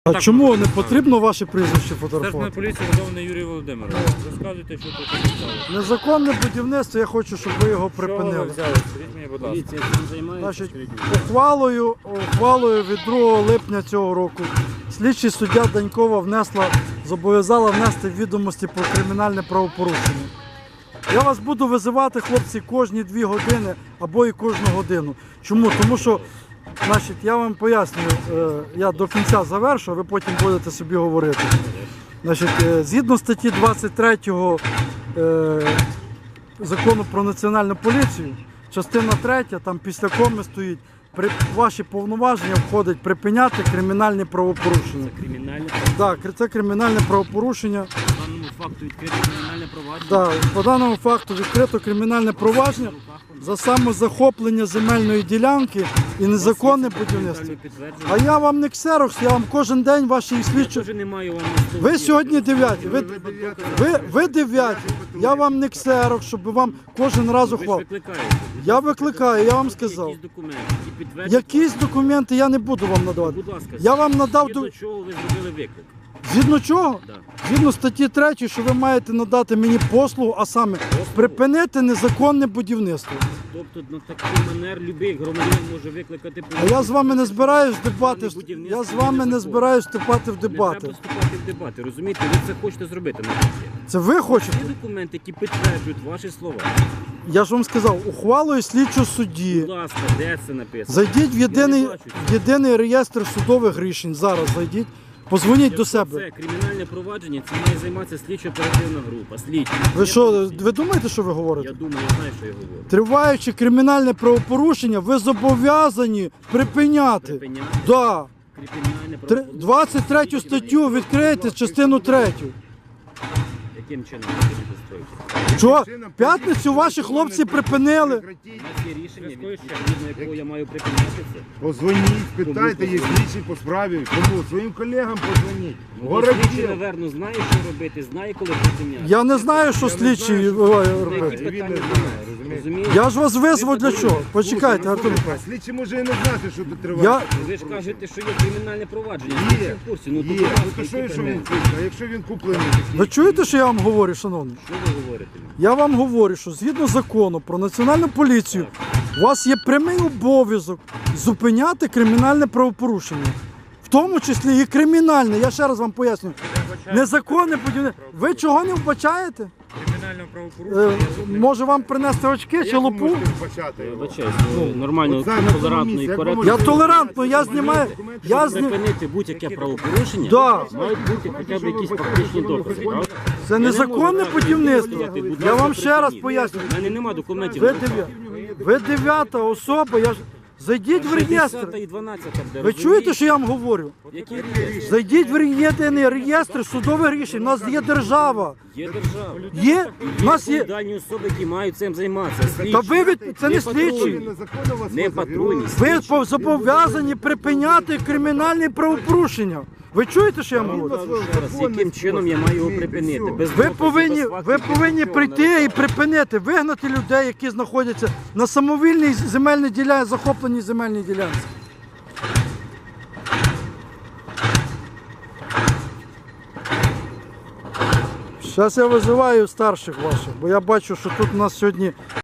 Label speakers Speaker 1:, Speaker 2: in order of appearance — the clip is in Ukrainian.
Speaker 1: А чому не потрібно ваше прізвище
Speaker 2: Старшина
Speaker 1: фотографувати?
Speaker 2: поліції Верховний Юрій Володимирович. Розказуйте, що тут сталося.
Speaker 1: Незаконне будівництво, я хочу, щоб ви його
Speaker 2: Що ви
Speaker 1: припинили.
Speaker 2: взяли? Скажіть мені, будь ласка.
Speaker 3: Поліція цим займається,
Speaker 1: Значить,
Speaker 3: скажіть мені.
Speaker 1: ухвалою від 2 липня цього року слідчий суддя Данькова зобов'язала внести відомості про кримінальне правопорушення. Я вас буду визивати, хлопці, кожні 2 години або і кожну годину. Чому? Тому що, значить, я вам пояснюю, я до кінця завершу, ви потім будете собі говорити. Значить, згідно статті 23 Закону про національну поліцію, частина 3, там після коми стоїть, ваші повноваження входить припиняти кримінальні правопорушення.
Speaker 3: Кримінальне
Speaker 1: Так, це кримінальне правопорушення.
Speaker 3: по даному факту відкрите кримінальне провадження.
Speaker 1: Так, по даному факту відкрито кримінальне провадження за самозахоплення земельної ділянки і незаконне будівництво. А я вам не ксерокс, я вам кожен день ваші
Speaker 3: Я
Speaker 1: слідчі.
Speaker 3: теж не маю вам
Speaker 1: Ви сьогодні 9, ви 9, я вам не ксерокс, щоб вам кожен раз
Speaker 3: Ви ж
Speaker 1: ухвал.
Speaker 3: викликаєте.
Speaker 1: Я викликаю, я вам сказав.
Speaker 3: Якісь документи, які підтверджують.
Speaker 1: Якісь документи я не буду вам надавати.
Speaker 3: Будь ласка,
Speaker 1: Я вам надав
Speaker 3: згідно чого ви зробили виклик?
Speaker 1: згідно чого?
Speaker 3: Да.
Speaker 1: Згідно статті 3, що ви маєте надати мені послугу, а саме припинити незаконне будівництво.
Speaker 3: Тобто на такий манер будь-який громадянин може викликати
Speaker 1: А я з вами не збираюсь дебати.
Speaker 3: Будівництво
Speaker 1: Я з вами не
Speaker 3: незаконне.
Speaker 1: збираюсь вступати в
Speaker 3: Не
Speaker 1: дебати.
Speaker 3: треба вступати в дебати, розумієте? Ви це хочете зробити на житті.
Speaker 1: Це ви хочете?
Speaker 3: Є документи, які підтверджують ваші слова.
Speaker 1: Я ж вам сказав, ухвалою слідчого судді.
Speaker 3: Будь ласка, де це написано?
Speaker 1: Зайдіть в
Speaker 3: Я не бачу цього.
Speaker 1: єдиний реєстр судових рішень. Зараз зайдіть. Позвоніть до
Speaker 3: Якщо
Speaker 1: себе.
Speaker 3: це кримінальне провадження, це має займатися слідчо-оперативна група. Слідчі.
Speaker 1: Ви що, ви думаєте, що ви говорите?
Speaker 3: Я думаю, я знаю, що я говорю.
Speaker 1: Триваючи кримінальне правопорушення, ви зобов'язані припиняти.
Speaker 3: Припиняти
Speaker 1: Да.
Speaker 3: кримінальне правопорушення.
Speaker 1: 23 статтю відкрийте, частину 3.
Speaker 3: Яким чином ви будете строїти?
Speaker 1: Що? В п'ятницю ваші хлопці припинили.
Speaker 3: У нас є рішення, відповідно якого я маю припиняти це.
Speaker 4: Позвоніть, питайте, є слідчі по справі. Тому своїм колегам позвоніть.
Speaker 3: Слідчий,
Speaker 4: Городів.
Speaker 3: напевно, знає, що робити, знає, коли припиняти.
Speaker 1: Я не знаю, що слідчі робить.
Speaker 3: Які
Speaker 4: Він не
Speaker 3: питання
Speaker 4: знає,
Speaker 3: розумієте?
Speaker 4: розумієте?
Speaker 1: Я ж вас визвав для чого? Почекайте, Артур.
Speaker 4: А слідчі може і не знати, що тут триває.
Speaker 1: Я...
Speaker 3: Ви ж кажете, що є кримінальне провадження.
Speaker 4: Є,
Speaker 3: Я в курсі. Ну, то
Speaker 4: Є.
Speaker 3: будь ласка,
Speaker 4: Ну то що,
Speaker 3: які
Speaker 4: якщо він
Speaker 3: питання?
Speaker 4: куплений? А якщо він куплений?
Speaker 1: Ви чуєте, що я вам говорю, шановний?
Speaker 3: Що ви говорите?
Speaker 1: Я вам говорю, що згідно закону про національну поліцію, у вас є прямий обов'язок зупиняти кримінальне правопорушення. В тому числі і кримінальне. Я ще раз вам поясню. Незаконне будівництво. Ви чого не вбачаєте?
Speaker 2: Кримінального правопорушення.
Speaker 1: Може вам принести очки чи
Speaker 4: Як ви
Speaker 1: лупу?
Speaker 4: можете вбачати його?
Speaker 3: Вибачаюсь, нормально,
Speaker 4: От зараз на цьому
Speaker 3: толерантно
Speaker 4: місці,
Speaker 3: і
Speaker 4: як ви
Speaker 3: коректно.
Speaker 1: Я
Speaker 4: можете-
Speaker 1: толерантно, я знімаю. Я зні...
Speaker 3: Припинити будь-яке правопорушення,
Speaker 1: Да.
Speaker 3: мають бути хоча б якісь фактичні докази, правда?
Speaker 1: Це незаконне будівництво. Я вам ще раз поясню.
Speaker 3: У мене немає документів.
Speaker 1: Ви 9-та особа, я ж... Зайдіть в реєстр.
Speaker 3: 10 і 12, де,
Speaker 1: Ви чуєте, що я вам говорю?
Speaker 3: Які реєстри?
Speaker 1: Зайдіть в єдиний реєстр судових рішень. У нас є держава.
Speaker 3: Є держава.
Speaker 1: Є, у нас є.
Speaker 3: Відповідальні особи, які мають цим займатися. Слідчі.
Speaker 1: Та ви це не
Speaker 3: патрульні.
Speaker 1: слідчі.
Speaker 4: Незаконно вас
Speaker 3: Не
Speaker 4: возять.
Speaker 3: патрульні.
Speaker 1: Ви зобов'язані припиняти кримінальні правопорушення. Ви чуєте, що я вам говорю?
Speaker 3: Ще раз, яким чином я маю його припинити? Без
Speaker 1: Ви
Speaker 3: доказів,
Speaker 1: повинні,
Speaker 3: без
Speaker 1: ви
Speaker 3: фактів,
Speaker 1: повинні
Speaker 3: нічого
Speaker 1: прийти
Speaker 3: не
Speaker 1: і припинити, вигнати людей, які знаходяться на самовільній земельній ділянці, захопленій земельній ділянці. Зараз я визиваю старших ваших, бо я бачу, що тут у нас сьогодні